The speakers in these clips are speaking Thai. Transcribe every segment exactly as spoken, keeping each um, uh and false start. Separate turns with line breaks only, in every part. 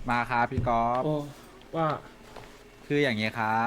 มาครับพี่กอล์ฟ
โอ้ว่า
คืออย่างเงี้ยครับ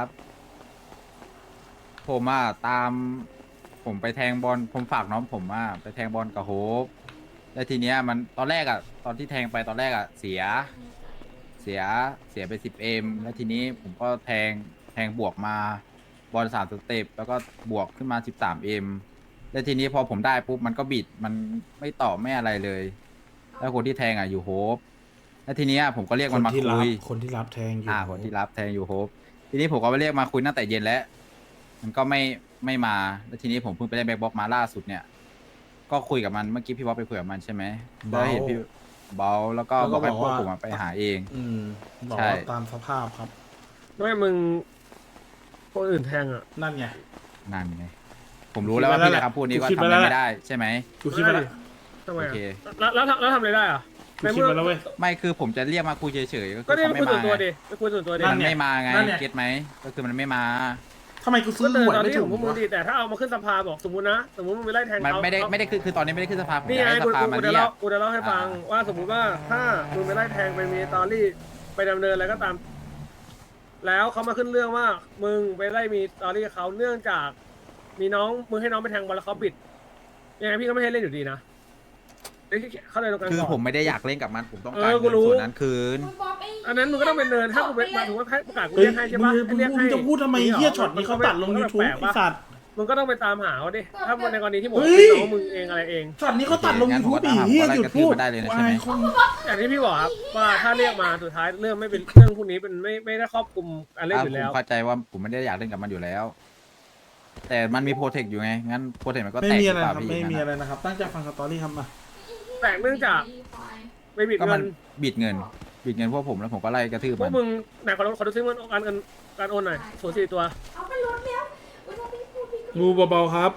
ผมอ่ะตามผมไปแทงบอลผมฝากน้องผมอ่ะไปแทงบอลกับโฮปแล้วทีเนี้ยมันตอนแรกอ่ะตอนที่แทงไปตอนแรกอ่ะเสียเสียเสียไปสิบเอ็มแล้วทีนี้ผมก็แทงแทงบวกมาบอลสามสเต็ปแล้วก็บวกขึ้นมาสิบสามเอ็มแล้วทีนี้พอผมได้ปุ๊บมันก็บิดมันไม่ตอบไม่อะไรเลยแล้วคนที่แทงอ่ะอยู่โฮปแล้วทีเนี้ยผมก็เรียก
คน
มันมาคุ
ที่รับ
ย
คนที่รับแทงอยู่
อ่าคนที่รับแทงอยู่โฮปทีนี้ผมก็ไปเรียกมาคุยตั้งแต่เย็นแล้ว มันก็ไม่ไม่มาแล้วทีนี้ผมเพิ่งไปได้แบ็คบ็อกมาล่าสุดเนี่ย ก็คุยกับมันเมื่อกี้พี่บ๊อบไปคุยกับมันใช่ไหมแล้ว
เบา
เห็นพี่เบาแล้วก็
แล้ว
บอกให้พวก
ก็บอกว่า
ผมอะไปหาเอง
อืมบอก
ใช่
ว่าตามสภาพครับ
ไม่มึงคนอื่นแทงอ่ะ
นั่นไง
นั่นไงผมรู้แล้วว่าพี่นะครับพูดนี้ก็ทำอะไรไม่ได้ใช่ไหม
กูคิดไปแล้ว
ทำไม
โอ
อ่ะ
เค
แล้วแล้วแล้วทำอะไรได้อ่ะ
กูคิดไปแล้วเว้ย
ไม่คือผมจะเรียกมาคุยเฉยๆก็
ก็
คือ
ได้
เขา
ไปคุ
ไม่
ยส่
มา
วนตัว
ไง
ดิไปคุยส่วนตัวดิ
นั่
มัน น
ไง
ไม่มาไง
นั่นไง
เก็ตไหมก็คือมันไม่มา
ทำไมกูซื้
ก็
อ
เดิน
หวย
ตอน
ไม่
ที่
ถู
ข
ก
องพวกมึง
วะ
ดิแต่ถ้าเอามาขึ้นสภาบอกสมมตินะสมมติมึงไปไล่แทง
มัน
เขา
ไม่ได้
เขา
ไม่ได้คือคือตอนนี้ไม่ได้ขึ้นสภาผม
นี่
อยาก
ไง
ให้ส
กู
ภา
กู
มา
กูจะ
เรีย
เล่าก กูจะเล่าให้ฟัง
อ่า
ว่าสมมุติว่าถ้ามึงไปไล่แทงไปมีตอรี่ไปดำเนินอะไรก็ตาม แล้วเขามาขึ้นเรื่องว่า มึงไปไล่มีตอรี่เขาเนื่องจาก มีน้องมึงให้น้องไปแทงบอลแล้วเขาปิดยังไงพี่ก็ไม่ให้เล่นอยู่ดีนะเอ้ยเข้าใจตรงกัน
คือ
ก่อน
ผมไม่ได้อยากเล่นกับมันผมต้อง
เอ
การ
อกู
เงิน
รู้
ส่วนนั้นคืน
อันนั้นมึงก็ต้องเป็นเนินถ้ากูเป็นมาถึงว่าให้ประกาศกู
เฮ้ย
เรียกให้ใช่
มึ
ปะ
ง
ให้เรียก
มึ
ให้
งจะพูดทำไมเฮียช็อตนี้เขาตัดลง YouTube ไอสัตว์
มึงก็ต้องไปตามหาเขาดิถ้าในกรณีที่ผม
เฮ้
เป็น
ย
น้องมึงเองอะไรเอง
ช็อตนี้เขาตัดลง
งั้นผม
YouTube
ก็
อี
ตาม
เฮีย
ผมก็ไล่
หยุด
กระทืบ
พูด
มาได้เลยนะใช่ไหม
อายคน
อย่างที่พี่บอกครับว่าถ้าเรียกมาสุดท้ายเรื่องไม่เป็นเรื่องพวกนี้เป็นไม่ไม่ได้ครอบคลุมการเล่น
อ่ะ
อยู่
ผ
แล้
ม
ว
เข้าใจว่าผมไม่ได้อยากเล่นกับมันอยู่แล้ว แต่มันมีโปรเทคอยู่ไง งั้นโปรเทคมันก็
ไม่
แตก
มี
ห
อะ
รือ
ไร
เปล่า
ครับ
พี่
ไม่มี
งั้น
อะไร
อะ
นะครับ ตั้งใจฟังสตอรี่ครับมา
แต่เนื่องจากไม่บิด
ก็
เงิ
มัน
น
บิดเงิน บิดเงินพวกผมแล้วผมก็ไล่กระทืบ
พว
มั
ก
น
มึงไหนขอขอดูซิมันการเงินการโอนหน่อยศูนย์สี่ตัว
เอาไปลดแล้วอุ๊ยเราไม่พูดพี่ก็
งูเบาๆครับ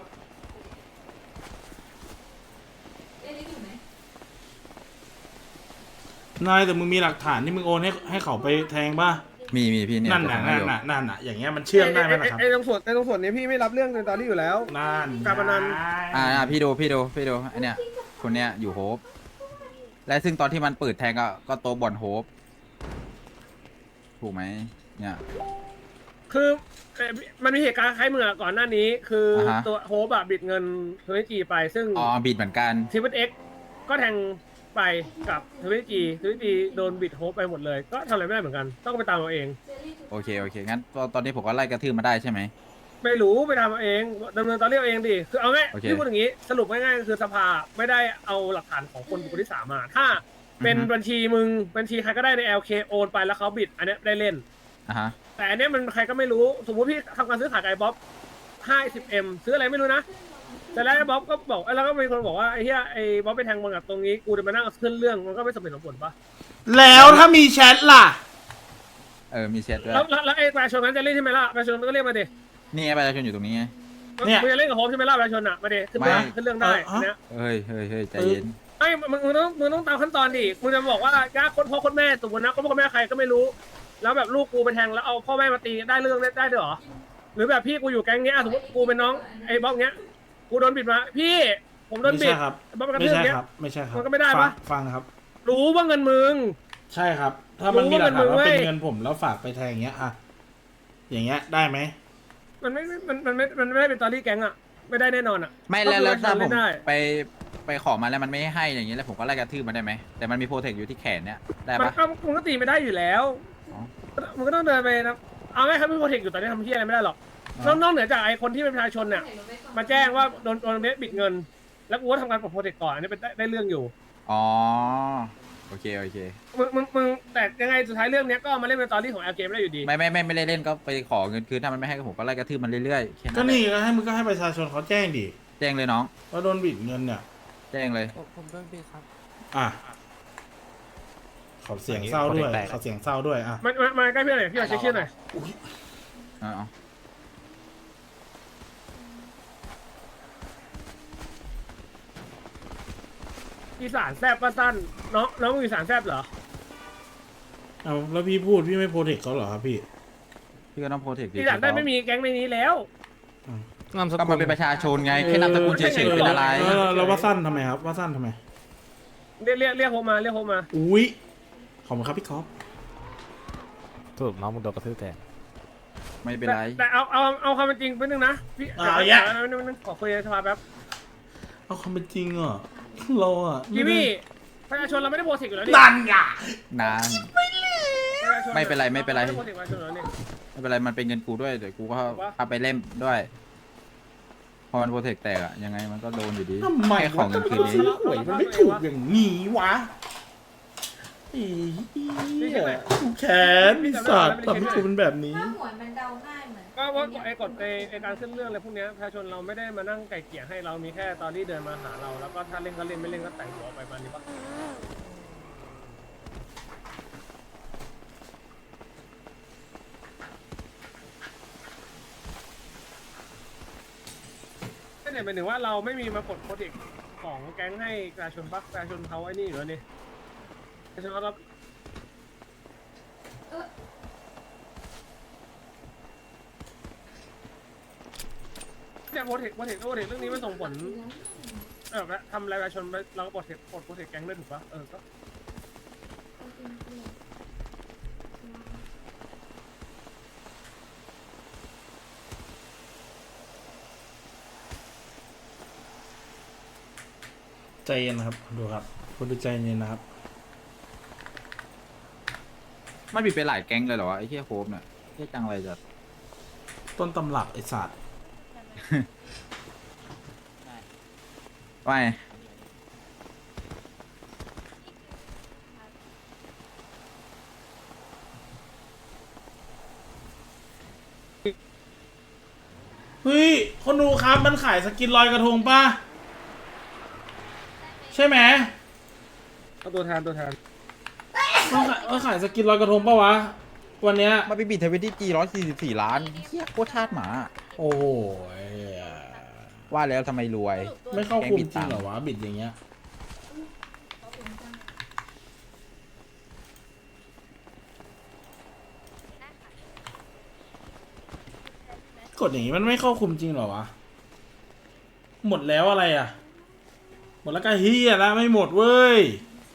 เอ๊ะนี่อยู่ไหน
นายแต่มึงมีหลักฐานที่มึงโอนให้ให้เขาไปแทงป่ะ
มีมีพี่เนี่ย
นั่นน่ะ
ผม
นั่น
ให้ดู
น่ะนั่นน่ะอย่างเงี้ยมันเชื่อมได้ไหมล่ะครับ
ไอ้ตรงส่วนไอ้ตรงส่วนนี้พี่ไม่รับเรื่องในตอนนี้อยู่แล้ว
นั่น
การพนัน
อ่าอ่าพี่ดูพี่ดูพี่ดูอันเนี้ยคนเนี้ยอยู่โฮปและซึ่งตอนที่มันเปิดแทงก็ก็โตะบอลโฮปถูกไหมเนี่ย
คือเอ่อมันมีเหตุการณ์คล้ายมึงอะก่อนหน้านี้ คืออา
ฮะ
ตัวโฮปอะบิดเงินเทวจีไปซึ่ง
อ๋อบิดเหมือนกัน
ทีวีเอ็กก็แทงไปกับทวิตจีทวิตจีโดนบิดโฮปไปหมดเลย ก็ทำอะไรไม่ได้เหมือนกัน ต้องไปตามเอาเอง
โอเคโอเคงั้นตอนตอนนี้ผมก็ไล่กระทืบมาได้ใช่ไหม
ไม่รู้ไปตามเอาเองดำเนินตอนเรียกเองดิคือเอาง่าย
โอเค
ที่พูดอย่างนี้สรุปง่ายๆก็คือสภาไม่ได้เอาหลักฐานของคนบุคคลที่สามมา ถ้าเป็น
อือฮึ
บัญชีมึงบัญชีใครก็ได้ใน แอล เค โอนไปแล้วเขาบิด อันเนี้ยได้เล่น
อ่ะฮะ
แต่อันเนี้ยมันใครก็ไม่รู้สมมติพี่ทำการซื้อขายกับไอ้บ๊อบห้าสิบเอ็มซื้ออะไรไม่รู้นะแต่แล้วไอ้บ๊อบก็บอกแล้วก็มีคนบอกว่าไอ้เหี้ยไอ้บ๊อบไปแทงบอลกับตรงนี้กูจะมานั่งขึ้นเรื่องมันก็ไม่สมเหตุสมผลปะ
แล้วถ้ามีแชทล่ะ
เออมีเซตด้วย
แล้วแล้วแล้วไอ้ประชาชนนั้นจะเล่นใช่ไหมล่ะประชาชนก็เรียกมาดิ
นี่ไงประชาชนอยู่ตรงนี้ไง
เนี่ย
มึงจะเล่นกับโฮมใช่ไหมล่ะประชาชนอ่ะมาดิขึ้น
ไม่
เรื่องขึ้นเรื่องได้
เออ
อันเนี้ย
เฮ้ยเฮ้ยเฮ้ยใจเย็น
ไอ้มึงมึงต้องมึงต้องตามขั้นตอนดิมึงจะบอกว่าญาติคนพ่อคนแม่สมมตินะคนพ่อคนแม่ใครก็ไม่รู้ แล้วแบบลูกกูไปแทงแล้วเอาพ่อแม่มาตีได้เรื่องได้ได้ด้วยเหรอหรือแบบพี่กูอยู่แก๊งเนี้ยสมมติกูเป็นน้องไอ้บ๊อบเนี้ยกูโดนบิดมาพี่ผมโดน
ไม่
บิ
ใช่
ด
ครับ
บ๊อบกระ
ไม่
ทืบ
ใช่
เนี้ย
ครับ ไม่ใช่ครับ
มันก็ไม่ได้
ฟัง
ปะ
ฟังครับ
รู้ว่าเงินมึง
ใช่ครับ ถ้ามัน
รู้
มีหลักฐาน
ว่า
ว่า
เป็น
เป็น
มึงเว้ย
เงินผมแล้วฝากไปแทงอย่างเงี้ยอะอย่างเงี้ยได้ไหม
มันไม่มันมันไม่มันไม่ได้เป็นตอรี่แก๊งอ่ะไม่ได้แน่นอนอ่ะ
ไม่แล้วแล้วถ้าผม
เล่นได้
ไปไปขอมาแล้วมันไม่ให้อย่างนี้แล้วผมก็ไล่กระทืบมันได้ไหมแต่มันมีโปรเทคอยู่ที่แขนเนี่ยได้
มัน
ปะ
ก็มันก็ตีไม่ได้อยู่แล้ว
อ๋อ
มันก็ต้องเดินไปนะเอาง่ายครับไม่โปรเทคอยู่ตอนนี้ทำที่อะไรไม่ได้หรอก
อ๋อ
นอกเหนือจากไอ้คนที่เป็นประชาชนเนี่ยมาแจ้งว่าโดนโดนเบสบิดเงิน แล้วกูก็ทำการปลดโปรเทคก่อนอันนี้เป็นได้ได้เรื่องอยู่
อ๋อโอเคโอเค
มึงมึงมึงแต่ยังไงสุดท้ายเรื่องเนี้ยก็มาเล่นเป็นตอรี่ของแอลเกมได้อยู่ดี
ไม่ไม่ไม่ไม่ได้เล่นก็ไปขอเงินคืนถ้ามันไม่ให้ก็ผมก็ไล่กระทืบมันเรื่อยๆแค่
ก็
นั้นแห
นี่
ละ
ก็ให้มึงก็ให้ประชาชนเขาแจ้งดิ
แจ้งเลยน้อง
ว่าโดนบิดเงินเนี่ย
แจ้งเลย
ผมโดนบีบครับ
อ่ะเขาเสียงเศร้าด้วยเขาเสียงเศร้าด้วยอ่ะ
มันมามาใกล้พี่หน่อยพี่ขอเช็คชื่อหน่อย
เอาเอา
อีสานแซบป้าสั้นน้องน้องมึงอีสานแซบเหรอ
เอาแล้วพี่พูดพี่ไม่โปรเทคเขาเหรอครับพี่
พี่ก็ต้องโปรเทคดี
อีสานได้ไม่มีแก๊งในนี้แล้ว
นามส
ก็
กุ
มัน
ล
เป็นประชาชนไงแค่นามสกุลเฉยๆเป็นอะไร
เออเราว่าสั้นทำไมครับว่าสั้นทำไม
เรียกเรียกเรียกโฮมมาเรียกโฮมมา
อุ้ยขอบคุณครับพี่คอฟ
รุปน้องมึงโดนกระทืบแทน
ไม่เป็น
แต่
ไร
แต่เอาเอาเอาความเป็นจริงไปบนึงนะพี่
อ่า
เดี๋ยว
แยะ
เดี๋ยวเดี๋ยวเดี๋ยวขอคุยในสภาแป๊บ
เอาความเป็นจริงอ่ะเราอ่ะ
พี่พี่ประชาชนเราไม่ได้โพสิกอยู่แล้วนี่
นั่นไง
นาน
ประชาชน
ไม่เป็นไรไม่เป็นไร
ไม่ได้โพสิกประชาชนอยู่แล้วนี่
ไม่เป็นไรมันเป็นเงินกูด้วยเดี๋ยวกูก็
วะ
เอาไปเล่มด้วย พอมันโปรเทคแตกอะยังไงมันก็โดนอยู่ดี
ทำไม
แค่ของ
วะ
เงินคืน
ทำไม
นี้
หวยมันไม่ถูกอย่างนี้วะไอ้เหี้ยกูแค้นไอ้สัตว์ทำให้กูเป็นแบบนี้
ถ้าหวยมันเดาง่ายเหมือน
ก็ว่าไอ้กฎไอ้ไอ้การขึ้นเรื่องอะไรพวกเนี้ยประชาชนเราไม่ได้มานั่งไก่เกลี่ยให้เรามีแค่ตอนที่เดินมาหาเราแล้วก็ถ้าเล่นก็เล่นไม่เล่นก็แต่งหัวไปประมาณนี้ปะก็เนี่ยหมายถึงว่าเราไม่มีมากดโปรเทคของแก๊งให้ประชาชนปะประชาชนเขาไอ้นี่อยู่แล้วนี่ประชาชนเขารับ เนี่ยโปรเทคโปรเทคโปรเทคเรื่องนี้มันส่งผลเออทำรายประชาชนเราก็โปรเทคโปรเทคแก๊งด้วยถูกปะเออก็
ใจเย็นนะครับดูครับคุณดูใจเย็นนะครับ
มันบิดไปหลายแก๊งเลยเหรอวะไอ้เหี้ยโคบเนี่ยเหี้ยจังเลยจัด
ต้นตำรับไอ้สัตว์
ไม่
เฮ้ยคนดูครับมันขายสกินลอยกระทงป่ะใช่ไหม
เอาตัวแทนตัวแทน
มันขายมันขายสกินลอยกระทงป่ะวะวันเนี้ย
มาไปบิดเทเวนตี้จีร้อยสี่สิบสี่ล้านเหี้ยโคตรทาสหมา
โอ้โห
ว่าแล้วทำไมรวย
ไม่เข้าคุมจริงเหรอวะบิดอย่างเงี้ยกดอย่างงี้มันไม่เข้าคุมจริงเหรอวะหมดแล้วอะไรอ่ะหมดแล้วก็เฮียแล้วไม่หมดเว้ย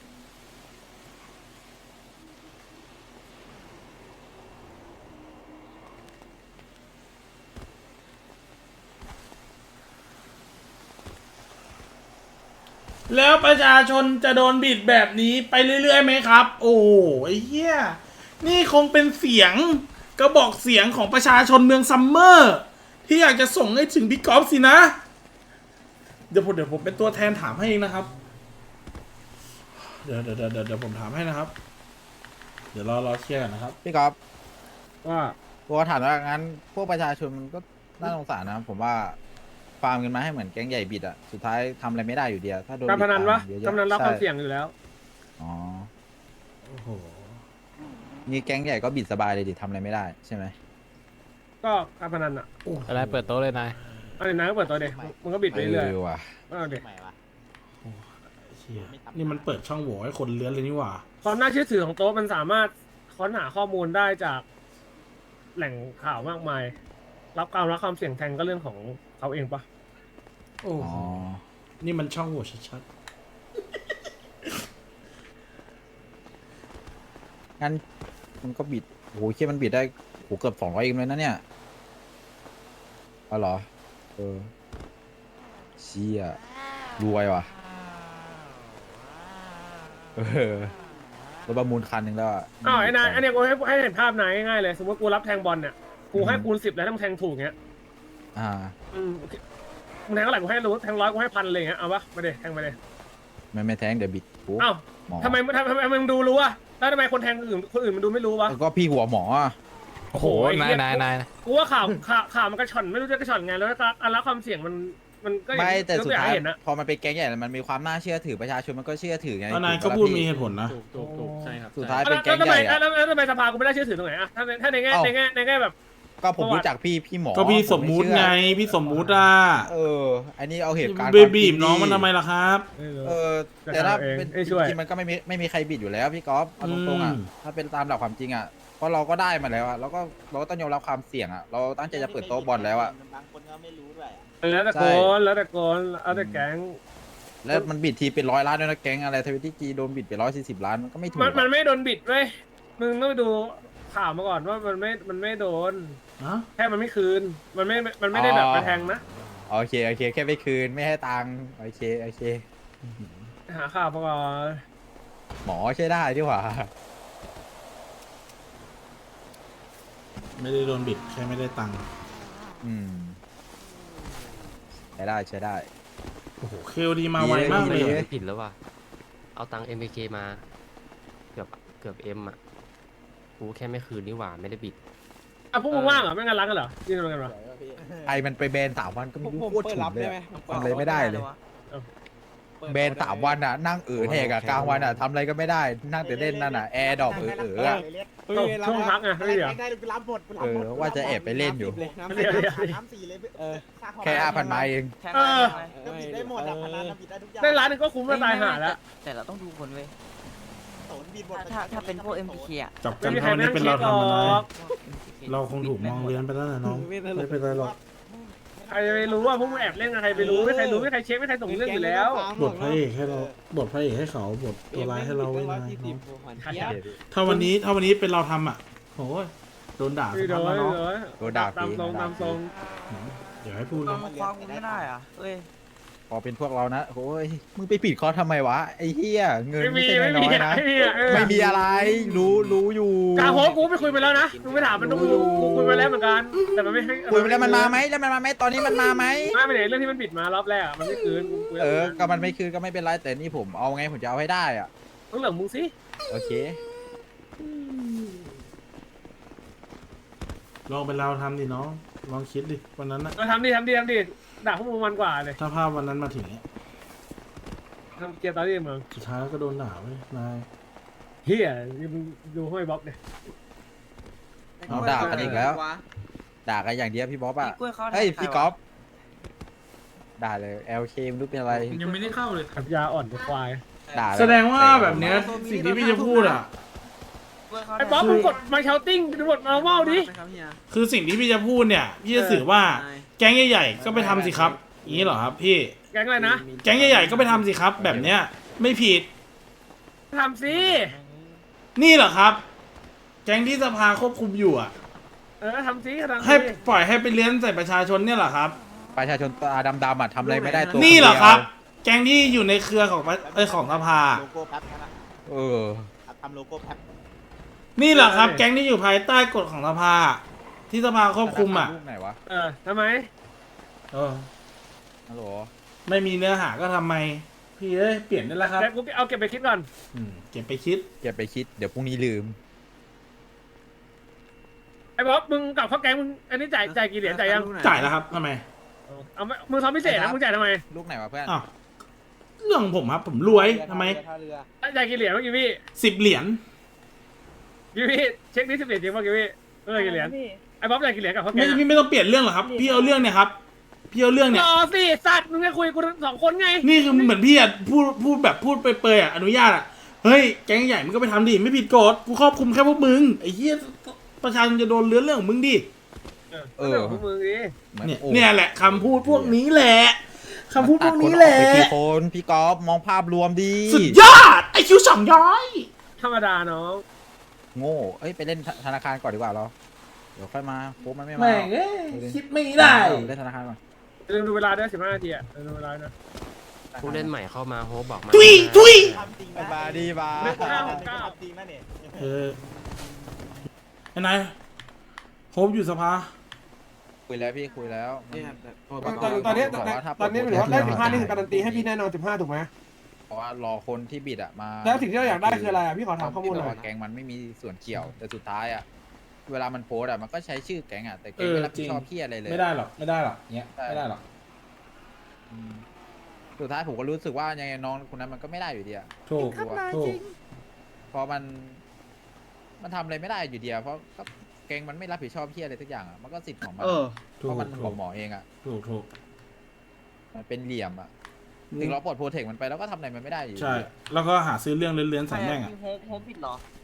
แล้วประชาชนจะโดนบิดแบบนี้ไปเรื่อยๆไหมครับ โอ้ไอ้เหี้ยนี่คงเป็นเสียงกระบอกเสียงของประชาชนเมืองซัมเมอร์ที่อยากจะส่งให้ถึงพี่กอล์ฟสินะ เดี๋ยวผมเดี๋ยวผมเป็นตัวแทนถามให้เองนะครับ เดี๋ยวเดี๋ยวเดี๋ยวเดี๋ยวผมถามให้นะครับ เดี๋ยวรอรอเคลียร์กันนะครับ
พี่ก๊อฟ
ว่า
กูถามว่างั้นพวกประชาชนมันก็น่าสงสารนะผมว่าฟาร์มกันมาให้เหมือนแก๊งใหญ่บิดอะสุดท้ายทำอะไรไม่ได้อยู่ดีอะถ้าโดน
การพนันวะ
บิดตามเยอะๆ
การพนันรับความ
ใช่
เสี่ยงอยู่แล้ว
อ๋อ
โอ้โห
นี่แก๊งใหญ่ก็บิดสบายเลยดิทำอะไรไม่ได้ใช่ไหม
ก็การพนันอ่ะ
อะไรเปิดโต๊ะเลยนาย
อันนี้นายก็เปิดตัวเด็กมึงก็บิดไปเรื่อย
เออว่ะ
ๆเอาเด็ก
เชี่ยนี่มันเปิดช่องโหว่ให้คนเลื้อนเลยนี่หว่า
ความน่าเชื่อถือของโต๊ะมันสามารถค้นหาข้อมูลได้จากแหล่งข่าวมากมาย รับการรับความเสี่ยงแทนก็เรื่องของเขาเองปะ
โอ้
อ๋
โห
อ
นี่มันช่องโหว่ชัด
งั้นมันก็บิดโอ้โหเชี่ยมันบิดได้โหเกือบสองร้อยเอ็มเลยนะเนี่ยเอาเหรอเออเชี่ยรวยว่ะเออรถประมูลคันหนึ่งแล้วะ
อ้าวไอ้นายอันเนี้ยกูให้ให้เห็นภาพนายง่ายๆเลย สมมติกูรับแทงบอลเนี่ยกูให้คูณสิบแล้วถ้ามึงแทงถูกเงี้ย
อ่า
อืมมึงแทงเท่าไหร่กูให้รู้แทงร้อยกูให้พันเลยเงี้ยเอาปะมาเดแทงไปเลย
ไม่ไม่แทงเดี๋ยวบิดกู
อ้าว
หมอ
ทำไมทำทำไมมึงดูรู้อะแล้วทำไมคนแทงคนอื่นคนอื่นมันดูไม่รู้วะ
แล้วก็พี่หัวหมออะ
โอ้โห
ไอ้
นา
เหี้
ย
ย
นายนาย
กูว่าข่าวข่าวข่าวมันกระชอนไม่รู้จะกระชอนไงแล้วก็อันละความเสี่ยงมันมันก็อย่าง
ไม่
ที่
แต่สุดท้าย
กตัวองให้เห็นนะ
พอมันเป็นแก๊งใหญ่แล้วมันมีความน่าเชื่อถือประชาชนมันก็เชื่อถือไง
ๆอันนาย
ถู
ก็
ปะ
พูด
ล่ะ
มี
พี่
เหตุผลนะ
ถูกถูกถูกใช่ครับ
สุดท้าย
แล้ว
เป็นแก๊ง
ทำ
ให
ไม
ญ่อะ
แล้วแล้วทำไมสภากูไม่ได้เชื่อถือตรงไหนอะถ้าในถ้าในแง่
เอ้า
ในแง่ในแง่แบบ
ก็ผม
ประวัติ
รู้จักพี่พี่หมอ
ก็พี่สมมุติ
ผ
ไง
เชื่อ
พี่สมมุติอ่ะ
เออ อันนี้เอาเหตุการณ์
เบ
ความจ
บี
ริ
บ
ง
น้อง
ดิ
มันทำไมล่ะครับ
เออแต่ถ้าเป็น
เอ้ยช่วย
จริงๆมันก็ไม่มีไม่มีใครบิดอยู่แล้วพี่ก๊อฟเอาตรงๆอ่ะ
อืม
ถ้าเป็นตามหลักความจริงอ่ะเพราะเราก็ได้มาแล้วอ่ะเราก็เราก็ต้องยอมรับความเสี่ยงอ่ะเราตั้งใจจะเปิดโต๊ะบอลแล้วอ่ะ
บางคนก็ไม่รู้ด้วยอะ
แล้วแต่โกนแล้วแต่โกนแล้วแต่แก๊ง
แล้วมันบิดทีเป็นร้อยล้านด้วยนะแก๊งอะไรทวิตจีโดนบิดไปร้อยสี่สิบล้านมันก็ไม่ถูก
มันมัน
อะ
ไม่โดนบิดเว้ยมึงต้องไปดูข่าวมาก่อนว่ามันไม่มันไม่โดน
นะ
แค่มันไม่คืน มันไม่มันไม่ได้แบบไปแทงนะ
โอเคโอเคแค่ไปคืนไม่ให้ตังค์โอเคโอเค
หาข่าวมาก่อน
หมอใช้ได้ดีกว่า
ไม่ได้โดนบิดแค่ไม่ได้ตังค์
อืมใช้ได้ใช้ได้
โอ้โหเคลดีมาไวมากเลย
ดีเลย
ผิดแล้วว่ะ เอาตังค์ เอ็ม เค มา เกือบเกือบเอ็มอ่ะ กูแค่ไม่คืนนี่หว่า ไม่ได้บิด
อ่ะพวกมึงว่างเหรอไม่งานรักกันเหรอยืนตรงกันเหรอ
ไอมันไปแบนสามวันก็ไม่รู้โคตรฉุนเลยอะทำอะไรไม่ได้เลยแบนสามวันอ่ะนั่งเออแหกอะกลางวันอ่ะทำอะไรก็ไม่ได้นั่งแต่เล่นนั่นอ่ะแอร์ดอกเออเอออะ
ช่วงพักไงไม่เหรอ
เออว่าจะแอบไปเล่นอยู่
ไม่เหรอ
น้ำสี่เลยเออ
แค่ห้าพันไม้เอง
เออ
ก็บิดได้หมดอ่ะพนันบิดได้ทุกอย่าง
ได้ร้านหนึงก็คุ้มแล้วตายห่าแล้ว
แต่เราต้องดูคนเว้ย
โสนบิดหมด
ถ้าถ้าเป็นพวก เอ็ม พี เค อ่ะ
จับกั
ไม่
น
มีใคร
เท่า
ไม่
นี้
นั่ง
เป็น
คิ
เรา
ดหร
ทำอะไร
อก
เราคงถูกมองเลี้ยนไปแล้วนะน้องไม่เป็นไรหรอก
ใครจะไปรู้ว่าพวกมึงแอบเล่นกับใครไปรู้ไม่ใครรู้ไม่ใครเช็คไม่ใครส่งเรื่องอยู่แล้ว
บทพระเอกให้เราบทพระเอกให้เขาบทตัวร้ายให้เราไว้นะน้องถ้าวันนี้ถ้าวันนี้เป็นเราทำอ่ะโอ้ยโดนด่า
ไม่
สัก
โด
พัก
น
แล้ว
ไม่
เนาะ
โดน
โดนด่า
ตาม
ฟรี
ตรงตามตรง
เดี๋ยวให้พูด
ต้
นะ
องคว้ากูไม่ได้อ่ะเอ้ย
พอเป็นพวกเรานะโอ้ยมึงไปปิดคอทำไมวะไอ้เหี้ยเงิน
ไม่
ไม่
มี
ใช่
ไม่
น้
มี
อยๆนะ
ไม่มีอะเออ
ไม่มีอะไรรู้รู้อยู่
กาโฮกูไปคุยไปแล้วนะมึงไปถามมันต้องกูคุยไปแล้วเหมือนกันแต่มันไม่ให้
คุยไปแล้วมันมาไหมแล้วมันมาไหมตอนนี้มันมาไหม
ไม่ไปไหนเรื่องที่มันบิดมารอบแรกอะมันไม่คืนกูคุย
เออก็มันไม่คืนก็ไม่เป็นไรแต่นี่ผมเอาไงผมจะเอาให้ได้อ่ะ
ต้องเหลืองมึงสิ
โอเค
ลองเป็นเราทำดิน้องลองคิดดิวันนั้นนะ
เราทำดิทำดิทำดิด่าพวกมึงมันกว่าเลย
ถ้าภาพวันนั้นมาถึงเนี้ย
ทำเกียร์ตอนนี้มึง
สุดท้ายแล้วก็โดนด่าเว้ยนาย
เฮียมึงดูห้อยบ๊อบเนี่ย
เอาด่ากันอีกแล้ว ด่ากันอย่างเดียวพี่บ๊อบอ่ะ
พี่กล้วยเขา
เฮ้ย
แทนใครวะ
พี่ก๊อฟด่าเลย แอล เค ไม่รู้เป็นอะไร
ยังไม่ได้เข้าเลย
ขับยาอ่อนกับควาย
ด่าเลย
แสดงว่าแบบเนี้ยสิ่งที่พี่จะพูดอ่ะ
กล้วยเขา
ไอ้บ๊อบมึงกดมาเชาติ้งดูบทมาเมาดิ
คือสิ่งที่พี่จะพูดเนี่ยพี่จะสื่อว่าแก๊งใหญ่ๆก็ไปทำสิครับอย่างนี้เหรอครับพี่
แก๊งอะไรนะ
แก๊งใหญ่ๆก็ไปทำสิครับ แบบเนี้ยไม่ผิด
ทำสิ
นี่เหรอครับ แก๊งที่สภาควบคุมอยู่อ่ะ
เออทำสิทำ
ให้
สิ
ปล่อยให้ไปเลี้ยนใส่ประชาชนเนี่ยเหรอครับ
ประชาชนตาดำๆอ่ะทำอะไรไม่ได้ตัว
นี่เหรอ
ดียว
ครับ แก๊งที่อยู่ในเครือของประเอยของสภา
โลโก้แป๊บนะ
เออ
ทำโลโก้แป๊บ
นี่เหรอครับ แก๊งที่อยู่ภายใต้กฎของสภา ที่สภาควบคุมอ่ะ
รูปไหนวะ
เออทำไม
เออ
ฮัลโหล
ไม่มีเนื้อหาก็ทำไม พี่เอ้ยเปลี่ยนได้แล้วครับ
แต่กูเอาเก็บไปคิดก่อน
อืมเก็บไปคิด
อย่าไปคิดเดี๋ยวพรุ่งนี้ลืม
ไอ้บ๊อบมึงกลับเข้าแก๊งมึงอันนี้จ่ายจ่ายกี่เหรียญจ่ายยัง
จ่ายแล้วครับทำไม
เอาไม่มึงทำพิเศษนะมึงจ่ายทำไม
ลูกไหนวะเพื่อน
อ้าวเรื่องของผมครับ ผมรวยทำไม
จ่ายกี่เหรียญเมื่อกี้พี่
สิบเหรียญ
กี่พี่เช็คนี้สิบเหรียญจริงป่ะกี่พี่เออกี่เหรียญไอ้บ๊อบจ่ายกี่เหรียญกับเขาแก๊
ไม่
งอะ
พี่ไม่ต้องเปลี่ยนเรื่องหรอกครับ พี่เอาเรื่องเนี่ยครับ พี่เอาเรื่องเนี่ย
รอสิสัตว์มึงจะคุยกูสองคนไง
นี่คือเหมือนพี่อ่ะพูดพูดแบบพูดเปรยๆอ่ะอนุญาตอ่ะ เฮ้ยแก๊งใหญ่มึงก็ไปทำดิไม่ผิดกฎกูครอบคุมแค่พวกมึงไอ้เหี้ยประชาชนจะโดนเลื้อนเรื่องของมึงดิ
เออพวกมึงดิ
หมือ
เนี่ย
โอ้
เนี่ยแหละคำพูดพวกนี้แหละคำพูดพวกนี้แหละ
ตัดคนออกไปกี่คนพี่ก๊อฟมองภาพรวมดี
สุดยอดไอคิวสองย้อย
ธรรมดาน้อง
โง่เอ้ยไปเล่นธนาคารก่อนดีกว่าเราเดี๋ยวค่อยมาโค้มันไม่มา
แม่งเอ้ยคิดไม่ได้
เล่นธนาคารก่อน
ลืมดูเวลาด้วยสิบห้านาทีอ่ะลืมดูเวลานะ
ผู้เล่นใหม่เข้ามาโฮปบอกมา
ทุยทุย
ทำจริง
บาดีบา
เลขห้าหกเก้า
ทำจริงนะเนี่ย
เออไอ้นายโฮปอยู่สภา
คุยแล้วพี่คุยแล้ว
ตอนตอนนี้
บกว่าถ้า
ตอนนี้หมายถึงว่าได้สิบห้านี่คือการันตีให้พี่แน่นอนสิบห้าถูกไหม
เพราะว่ารอคนที่บิดอะมา
แล้วสิ่งที่เราอยากได้คืออะไรอ่ะพี่ขอถามข้อมูลหน่อย
ที่บกว่าแก๊งมันไม่มีส่วนเกี่ยวแต่สุดท้ายอะเวลามันโพสต์อะมันก็ใช้ชื่อแก๊งอะแต่แก๊งไม่รับผิดชอบพี่อะไรเลย
ไม่ได้หรอกไม่ได้หรอกเนี้ย
ใช่
ไม่ได้หรอก
อืมสุดท้ายผมก็รู้สึกว่ายังไงน้องคนนั้นมันก็ไม่ได้อยู่ดีอะ
ถูกถูก
เพราะมัน มันทำอะไรไม่ได้อยู่ดีอะเพราะก็แก๊งมันไม่รับผิดชอบพี่อะไรทุกอย่างอะมันก็สิทธิ์ของมัน
เออ
เพ
ถูก
ราะมัน
ถู
ขอก งหมอเองอะ
ถูกถูก
มันเป็นเหลี่ยมอะถึงเราปลดโปรเทคมันไปแล้วก็ทำอะไรมันไม่ได้อยู่ดี
ใช่
อะ
แล้วก็หาซื้อเรื่องเลื้อนๆใส่แม่งอ่ะ
โฮปโฮปผิดเหรอ